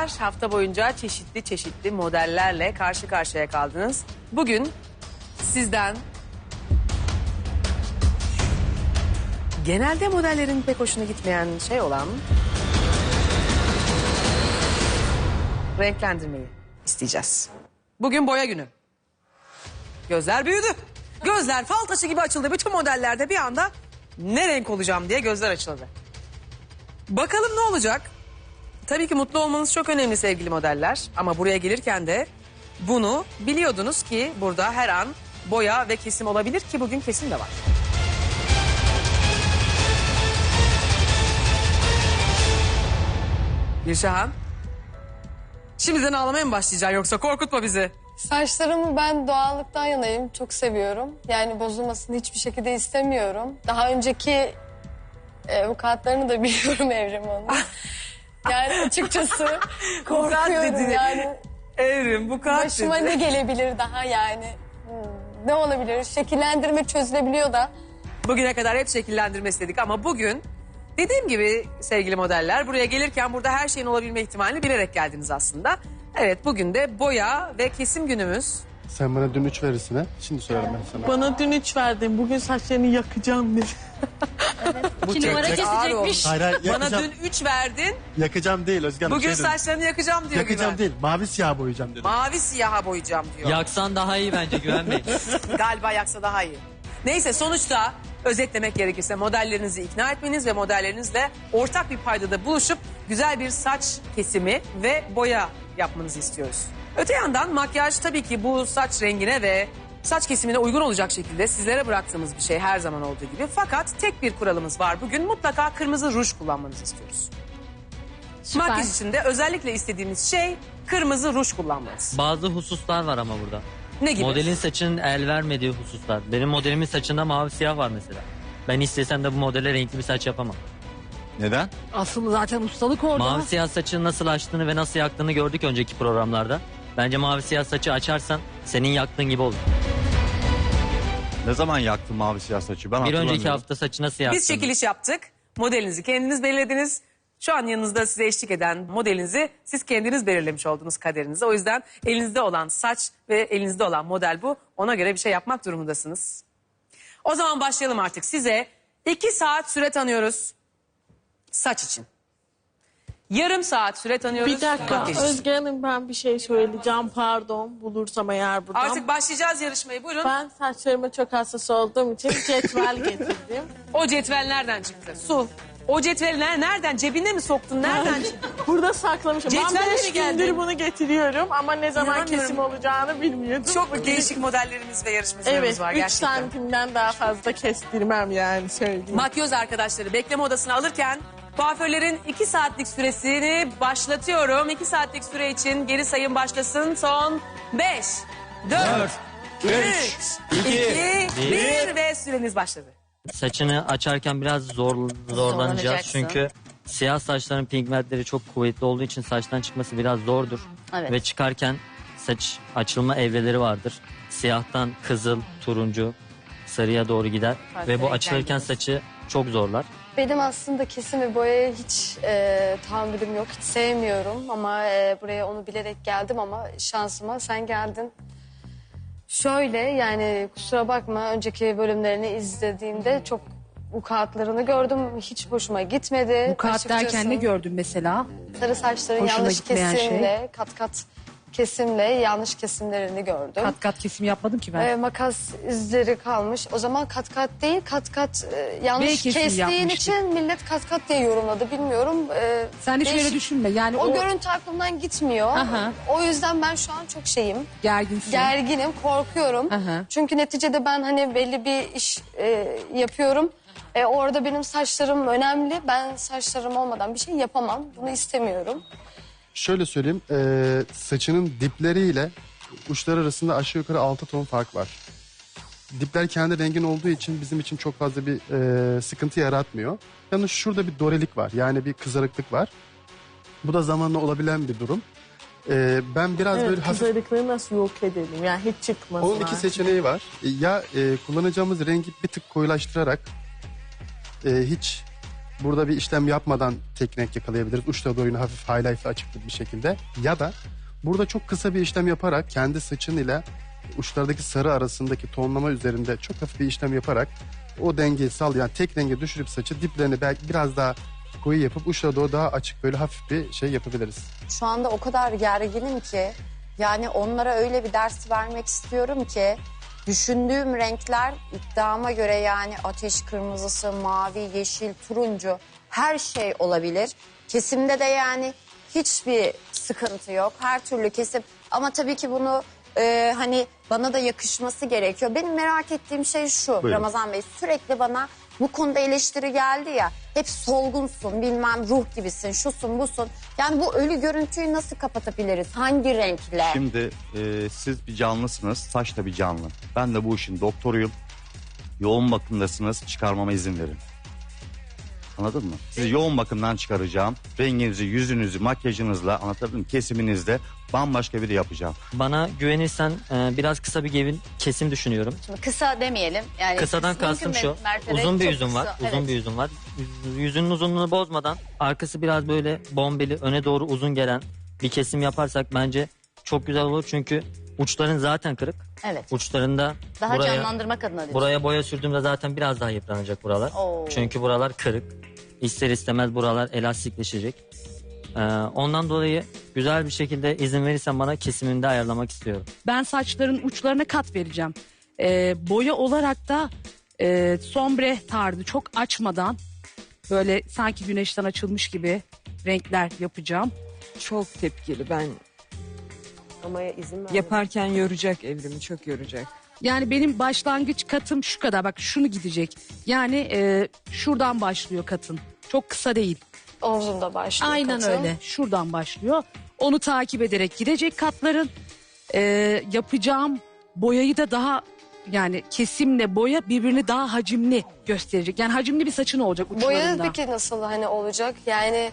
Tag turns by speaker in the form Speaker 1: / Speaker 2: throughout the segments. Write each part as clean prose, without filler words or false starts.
Speaker 1: hanımlar, hafta boyunca çeşitli modellerle karşı karşıya kaldınız. Bugün sizden genelde modellerin pek hoşuna gitmeyen şey olan renklendirmeyi isteyeceğiz. Bugün boya günü. Gözler büyüdü. Gözler fal taşı gibi açıldı. Bütün modellerde bir anda ne renk olacağım diye gözler açıldı. Bakalım ne olacak? Tabii ki mutlu olmanız çok önemli sevgili modeller. Ama buraya gelirken de bunu biliyordunuz ki burada her an boya ve kesim olabilir ki bugün kesim de var. Gülşahan. Şimdiden ağlamaya mı başlayacaksın yoksa korkutma bizi.
Speaker 2: Saçlarımı ben doğallıktan yanayım. Çok seviyorum. Yani bozulmasını hiçbir şekilde istemiyorum. Daha önceki avukatlarını da biliyorum Evrim Hanım. Yani açıkçası korkuyorum yani.
Speaker 1: Evrim bu kadar
Speaker 2: Başıma ne gelebilir daha yani? Ne olabilir? Şekillendirme çözülebiliyor da.
Speaker 1: Bugüne kadar hep şekillendirme istedik ama bugün dediğim gibi sevgili modeller buraya gelirken burada her şeyin olabilme ihtimalini bilerek geldiniz aslında. Evet bugün de boya ve kesim günümüz.
Speaker 3: Sen bana dün 3 verirsin ha. Şimdi söylerim ben sana.
Speaker 4: Bana dün 3 verdin. Bugün saçlarını yakacağım dedi.
Speaker 1: Bu
Speaker 5: 2 numara kesecekmiş.
Speaker 3: Hayır,
Speaker 1: Bana
Speaker 3: yakacağım.
Speaker 1: dün 3 verdin.
Speaker 3: Yakacağım değil Özge Hanım.
Speaker 1: Bugün
Speaker 3: şey dedim.
Speaker 1: saçlarını yakacağım diyor
Speaker 3: Yakacağım
Speaker 1: Güven.
Speaker 3: değil. Mavi siyah boyayacağım dedim.
Speaker 1: Mavi siyaha boyayacağım diyor.
Speaker 5: Yaksan daha iyi bence Güven Bey.
Speaker 1: Galiba yaksa daha iyi. Neyse sonuçta özetlemek gerekirse modellerinizi ikna etmeniz ve modellerinizle ortak bir paydada buluşup güzel bir saç kesimi ve boya yapmanızı istiyoruz. Öte yandan makyaj tabii ki bu saç rengine ve saç kesimine uygun olacak şekilde sizlere bıraktığımız bir şey her zaman olduğu gibi. Fakat tek bir kuralımız var bugün mutlaka kırmızı ruj kullanmanızı istiyoruz.
Speaker 2: Süper.
Speaker 1: Makyaj için de özellikle istediğimiz şey kırmızı ruj kullanmanız.
Speaker 5: Bazı hususlar var ama burada.
Speaker 1: Ne gibi?
Speaker 5: Modelin saçının el vermediği hususlar. Benim modelimin saçında mavi siyah var mesela. Ben istesem de bu modele renkli bir saç yapamam.
Speaker 6: Neden?
Speaker 4: Asıl zaten ustalık orada.
Speaker 5: Mavi siyah saçını nasıl açtığını ve nasıl yaktığını gördük önceki programlarda. Bence mavi siyah saçı açarsan senin yaktığın gibi olur.
Speaker 6: Ne zaman yaktın mavi siyah saçı? Ben
Speaker 5: Bir önceki
Speaker 6: hatırlamıyorum.
Speaker 5: hafta saçı nasıl yaktın?
Speaker 1: Biz çekiliş yaptık. Modelinizi kendiniz belirlediniz. Şu an yanınızda size eşlik eden modelinizi siz kendiniz belirlemiş oldunuz kaderinizi. O yüzden elinizde olan saç ve elinizde olan model bu. Ona göre bir şey yapmak durumundasınız. O zaman başlayalım artık. Size 2 saat süre tanıyoruz saç için. Yarım saat süre tanıyoruz.
Speaker 4: Bir dakika
Speaker 1: makyaj için.
Speaker 4: Özge Hanım ben bir şey söyleyeceğim pardon bulursam eğer buradan.
Speaker 1: Artık başlayacağız yarışmayı. Buyurun.
Speaker 4: Ben saçlarıma çok hassas olduğum için cetvel getirdim.
Speaker 1: O cetvel nereden çıktı? Su. O cetveli nereden? Cebine mi soktun? Nereden çıktı?
Speaker 4: Burada saklamışım.
Speaker 1: Cetvelle
Speaker 4: Ben
Speaker 1: mi
Speaker 4: 5
Speaker 1: geldin?
Speaker 4: gündür bunu getiriyorum ama ne zaman
Speaker 1: İnanmıyorum.
Speaker 4: kesim olacağını bilmiyordum.
Speaker 1: Çok
Speaker 4: Bugün-
Speaker 1: değişik modellerimiz ve yarışmacılarımız
Speaker 4: Evet
Speaker 1: var
Speaker 4: 3
Speaker 1: gerçekten.
Speaker 4: santimden daha fazla kestirmem yani söyleyeyim.
Speaker 1: Makyöz arkadaşları bekleme odasına alırken kuaförlerin 2 saatlik süresini başlatıyorum. 2 saatlik süre için geri sayım başlasın. Son 5, 4, 3, 2, 1 ve süreniz başladı.
Speaker 5: Saçını açarken biraz zorlanacağız
Speaker 2: Zorlanacaksın.
Speaker 5: çünkü siyah saçların pigmentleri çok kuvvetli olduğu için saçtan çıkması biraz zordur.
Speaker 2: Evet.
Speaker 5: Ve çıkarken saç açılma evreleri vardır. Siyahtan kızıl, turuncu, sarıya doğru gider.
Speaker 2: Farklı
Speaker 5: Ve bu
Speaker 2: renkler
Speaker 5: açılırken
Speaker 2: gelir.
Speaker 5: saçı çok zorlar.
Speaker 2: Benim aslında kesim ve boyaya hiç tahammülüm yok. Hiç sevmiyorum ama buraya onu bilerek geldim ama şansıma sen geldin. Şöyle yani kusura bakma önceki bölümlerini izlediğimde çok vukuatlarını gördüm. Hiç hoşuma gitmedi.
Speaker 7: Vukuat
Speaker 2: Açıkçası
Speaker 7: derken ne gördün mesela?
Speaker 2: sarı saçların
Speaker 7: Hoşuna
Speaker 2: yanlış
Speaker 7: gitmeyen
Speaker 2: kesimle, kat kat kesimle yanlış kesimlerini gördüm.
Speaker 7: Kat kat kesim yapmadım ki ben.
Speaker 2: Makas izleri kalmış. O zaman kat kat değil, kat kat
Speaker 7: B
Speaker 2: yanlış
Speaker 7: kesim
Speaker 2: kestiğin
Speaker 7: yapmıştık.
Speaker 2: için millet kat kat diye yorumladı. Bilmiyorum.
Speaker 7: Sen hiç öyle
Speaker 2: değişik.
Speaker 7: düşünme. Yani
Speaker 2: O
Speaker 7: o,
Speaker 2: görüntü aklımdan gitmiyor.
Speaker 7: Aha.
Speaker 2: O yüzden ben şu an çok şeyim.
Speaker 7: gerginsin.
Speaker 2: Gerginim, korkuyorum.
Speaker 7: Aha.
Speaker 2: Çünkü neticede ben hani belli bir iş yapıyorum. Orada benim saçlarım önemli. Ben saçlarım olmadan bir şey yapamam. Bunu istemiyorum.
Speaker 3: Şöyle söyleyeyim. Saçının dipleriyle uçları arasında aşağı yukarı 6 ton fark var. Dipler kendi rengin olduğu için bizim için çok fazla bir sıkıntı yaratmıyor. Yalnız şurada bir dorelik var. Yani bir kızarıklık var. Bu da zamanla olabilen bir durum. Ben biraz
Speaker 4: Evet
Speaker 3: böyle hafif...
Speaker 4: kızarıklığı nasıl yok edelim yani hiç çıkmasın.
Speaker 3: Onun iki seçeneği var. Ya kullanacağımız rengi bir tık koyulaştırarak hiç Burada bir işlem yapmadan tek renk yakalayabiliriz. Uçta boyunu hafif highlight'la açık bir şekilde. Ya da burada çok kısa bir işlem yaparak kendi saçın ile uçlardaki sarı arasındaki tonlama üzerinde çok hafif bir işlem yaparak o dengeyi sağlayan tek renge düşürüp saçı diplerini belki biraz daha koyu yapıp uçlara doğru daha açık böyle hafif bir şey yapabiliriz.
Speaker 8: Şu anda o kadar gerginim ki yani onlara öyle bir ders vermek istiyorum ki düşündüğüm renkler iddiama göre yani ateş kırmızısı, mavi, yeşil, turuncu her şey olabilir. Kesimde de yani hiçbir sıkıntı yok. Her türlü kesim ama tabii ki bunu hani bana da yakışması gerekiyor. Benim merak ettiğim şey şu
Speaker 6: Buyurun.
Speaker 8: Ramazan Bey, sürekli bana bu konuda eleştiri geldi ya. Hep solgunsun, bilmem ruh gibisin, şusun busun. Yani bu ölü görüntüyü nasıl kapatabiliriz? Hangi renkle?
Speaker 6: Şimdi siz bir canlısınız, saç da bir canlı. Ben de bu işin doktoruyum. Yoğun bakımdasınız, çıkarmama izin verin. Anladın mı? Sizi yoğun bakımdan çıkaracağım. Renginizi, yüzünüzü, makyajınızla, anlatabildim mi? Kesiminizle bambaşka biri yapacağım.
Speaker 5: Bana güvenirsen biraz kısa bir kesim düşünüyorum.
Speaker 9: Şimdi kısa demeyelim. Yani
Speaker 5: Kısadan
Speaker 9: mümkün
Speaker 5: kastım şu.
Speaker 9: mertebe
Speaker 5: Uzun bir
Speaker 9: çok
Speaker 5: yüzüm var.
Speaker 9: kısa.
Speaker 5: Uzun
Speaker 9: Evet.
Speaker 5: bir yüzüm var. Yüzünün uzunluğunu bozmadan arkası biraz böyle bombeli, öne doğru uzun gelen bir kesim yaparsak bence çok güzel olur. Çünkü uçların zaten kırık.
Speaker 9: Evet.
Speaker 5: Uçlarında
Speaker 9: Daha
Speaker 5: buraya
Speaker 9: canlandırmak adına diyorsun.
Speaker 5: buraya boya sürdüğümde zaten biraz daha yıpranacak buralar.
Speaker 9: Oo.
Speaker 5: Çünkü buralar kırık. İster istemez buralar elastikleşecek. Ondan dolayı güzel bir şekilde izin verirsen bana kesimini de ayarlamak istiyorum.
Speaker 7: Ben saçların uçlarına kat vereceğim. Boya olarak da sombre tarzı çok açmadan böyle sanki güneşten açılmış gibi renkler yapacağım.
Speaker 10: Çok tepkili ben.
Speaker 1: Ama izin ver.
Speaker 10: Yaparken yoracak Evrimi, çok yoracak.
Speaker 7: Yani benim başlangıç katım şu kadar, bak şunu gidecek. Yani şuradan başlıyor katın. Çok kısa değil.
Speaker 2: Omzumda başlıyor
Speaker 7: Aynen
Speaker 2: katım.
Speaker 7: öyle. Şuradan başlıyor. Onu takip ederek gidecek katların. Yapacağım boyayı da daha yani kesimle boya birbirini daha hacimli gösterecek. Yani hacimli bir saçın olacak
Speaker 2: Boya
Speaker 7: uçlarında.
Speaker 2: peki nasıl hani olacak? Yani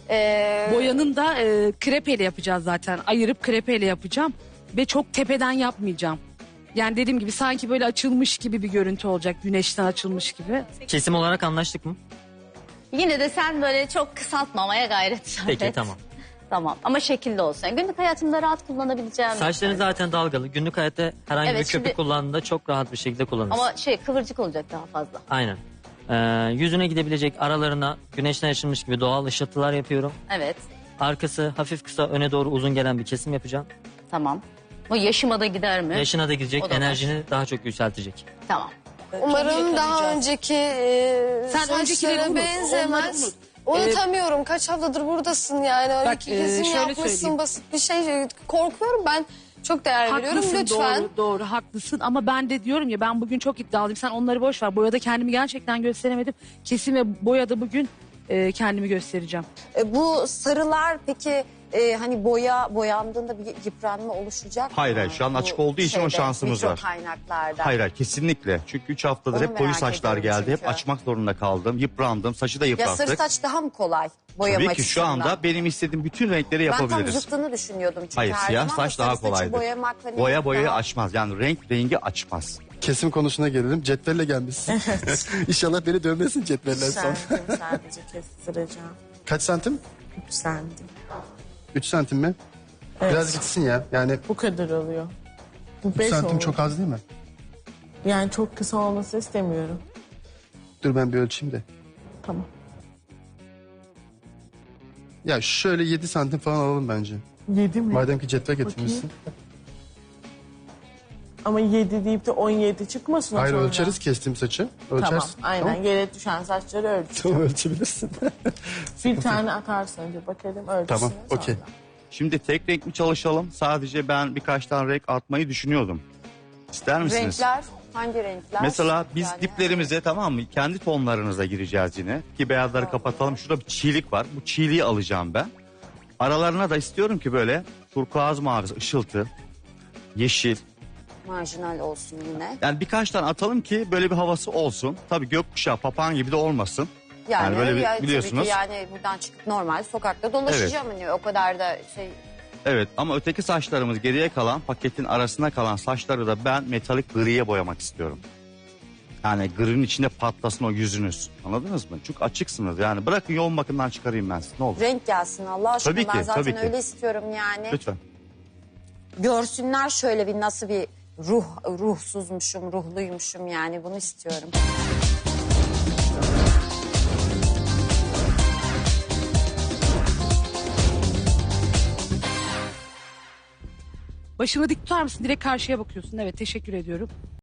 Speaker 7: Boyanın da krepeyle yapacağız zaten. Ayırıp krepeyle yapacağım. Ve çok tepeden yapmayacağım. Yani dediğim gibi sanki böyle açılmış gibi bir görüntü olacak. Güneşten açılmış gibi.
Speaker 5: Kesim olarak anlaştık mı?
Speaker 9: Yine de sen böyle çok kısaltmamaya gayret sarf
Speaker 5: Peki
Speaker 9: et.
Speaker 5: tamam.
Speaker 9: Tamam ama şekilli olsun. Yani günlük hayatımda rahat kullanabileceğim.
Speaker 5: Saçların zaten dalgalı. Günlük hayatta herhangi
Speaker 9: Evet,
Speaker 5: bir köpük
Speaker 9: şimdi-
Speaker 5: kullandığında çok rahat bir şekilde kullanırsın.
Speaker 9: Ama kıvırcık olacak daha fazla.
Speaker 5: Aynen. Yüzüne gidebilecek aralarına güneşten açılmış gibi doğal ışıltılar yapıyorum.
Speaker 9: Evet,
Speaker 5: Arkası hafif kısa öne doğru uzun gelen bir kesim yapacağım.
Speaker 9: tamam. Bu yaşıma da gider mi?
Speaker 5: Yaşına da gidecek,
Speaker 9: O da var.
Speaker 5: enerjini daha çok yükseltecek.
Speaker 9: Tamam.
Speaker 2: umarım daha önceki
Speaker 7: Sen
Speaker 2: saçlara
Speaker 7: öncekileri unut, onları
Speaker 2: benzemez.
Speaker 7: unut.
Speaker 2: Unutamıyorum. Kaç haftadır buradasın yani. Öyle
Speaker 7: Bak,
Speaker 2: iki kesim
Speaker 7: şöyle
Speaker 2: yapmışsın,
Speaker 7: söyleyeyim.
Speaker 2: basit bir şey. Korkuyorum ben. Çok değer veriyorum.
Speaker 7: Haklısın,
Speaker 2: Lütfen.
Speaker 7: doğru haklısın ama ben de diyorum ya ben bugün çok iddialıyım. Sen onları boş ver. Boyada kendimi gerçekten gösteremedim. Kesim ve boyada bugün kendimi göstereceğim.
Speaker 8: Bu sarılar peki hani boyandığında bir yıpranma oluşacak
Speaker 6: Hayır,
Speaker 8: mı?
Speaker 6: hayır, şu an
Speaker 8: Bu
Speaker 6: açık olduğu için o şansımız var.
Speaker 8: kaynaklarda.
Speaker 6: Hayır hayır, kesinlikle. Çünkü 3 haftadır
Speaker 8: Onu
Speaker 6: hep koyu
Speaker 8: merak
Speaker 6: saçlar
Speaker 8: ediyorum
Speaker 6: geldi. Hep
Speaker 8: çünkü.
Speaker 6: açmak zorunda kaldım. Yıprandım. Saçı da
Speaker 8: Ya sarı
Speaker 6: yıprattık.
Speaker 8: saç daha mı kolay boyama
Speaker 6: Tabii ki şu
Speaker 8: açısından?
Speaker 6: anda benim istediğim bütün renkleri
Speaker 8: Ben tam
Speaker 6: yapabiliriz.
Speaker 8: zıttını düşünüyordum çünkü
Speaker 6: Hayır,
Speaker 8: her
Speaker 6: siyah
Speaker 8: zaman
Speaker 6: saç
Speaker 8: sarı
Speaker 6: daha
Speaker 8: saçı
Speaker 6: kolaydır.
Speaker 8: boyamak hani
Speaker 6: Boyayı
Speaker 8: daha-
Speaker 6: açmaz. Yani rengi açmaz.
Speaker 3: Kesim konusuna gelelim. Cetvelle gelmişsin. İnşallah beni dövmesin cetveller son.
Speaker 4: Sadece kestireceğim.
Speaker 3: Kaç santim?
Speaker 4: 3 santim.
Speaker 3: 3 santim mi?
Speaker 4: Evet.
Speaker 3: Biraz gitsin ya. Yani
Speaker 4: Bu kadar oluyor. Bu
Speaker 3: 3
Speaker 4: 5
Speaker 3: santim
Speaker 4: olur.
Speaker 3: çok az değil mi?
Speaker 4: Yani çok kısa olması istemiyorum.
Speaker 3: Dur ben bir ölçeyim de.
Speaker 4: Tamam.
Speaker 3: Ya şöyle 7 santim falan alalım bence.
Speaker 4: 7 mi?
Speaker 3: Madem ki cetvel getirmişsin.
Speaker 4: Ama 7 deyip de 17 çıkmasın o
Speaker 3: Hayır
Speaker 4: sonra.
Speaker 3: ölçeriz kestiğim saçı.
Speaker 4: Tamam,
Speaker 3: Ölçersin.
Speaker 4: aynen.
Speaker 3: Tamam,
Speaker 4: Yere düşen saçları ölçeceğim.
Speaker 3: tamam ölçebilirsin.
Speaker 4: Bir tane atarsın önce bakalım ölçüsüne
Speaker 3: Tamam,
Speaker 4: sonra.
Speaker 3: okey.
Speaker 6: Şimdi tek renk mi çalışalım? Sadece ben birkaç tane renk atmayı düşünüyordum. İster misiniz?
Speaker 8: Renkler hangi renkler?
Speaker 6: Mesela biz
Speaker 8: Yani-
Speaker 6: diplerimize, tamam mı? Kendi tonlarınıza gireceğiz yine. Ki beyazları kapatalım. Şurada bir çiğlik var. Bu çiğliği alacağım ben. Aralarına da istiyorum ki böyle turkuaz mavisi, ışıltı, yeşil.
Speaker 8: Marjinal olsun yine.
Speaker 6: Yani birkaç tane atalım ki böyle bir havası olsun. Tabii gökkuşağı, papağan gibi de olmasın.
Speaker 8: Yani,
Speaker 6: Yani böyle bir-
Speaker 8: tabii ki
Speaker 6: biliyorsunuz.
Speaker 8: yani buradan çıkıp normal sokakta dolaşacağım hani o kadar da şey.
Speaker 6: Evet, ama öteki saçlarımız, geriye kalan paketin arasına kalan saçları da ben metalik griye boyamak istiyorum. Yani gırın içinde patlasın o yüzünüz. Anladınız mı? Çünkü açıksınız. Yani bırakın yoğun bakımdan çıkarayım ben sizi. Ne olur.
Speaker 8: Renk gelsin Allah aşkına.
Speaker 6: Tabii ki,
Speaker 8: Ben zaten
Speaker 6: tabii ki.
Speaker 8: öyle istiyorum yani.
Speaker 6: Lütfen.
Speaker 8: Görsünler şöyle bir nasıl bir ruhsuzmuşum, ruhluymuşum yani bunu istiyorum.
Speaker 7: Başını dik tutar mısın? Direkt karşıya bakıyorsun. Evet, teşekkür ediyorum.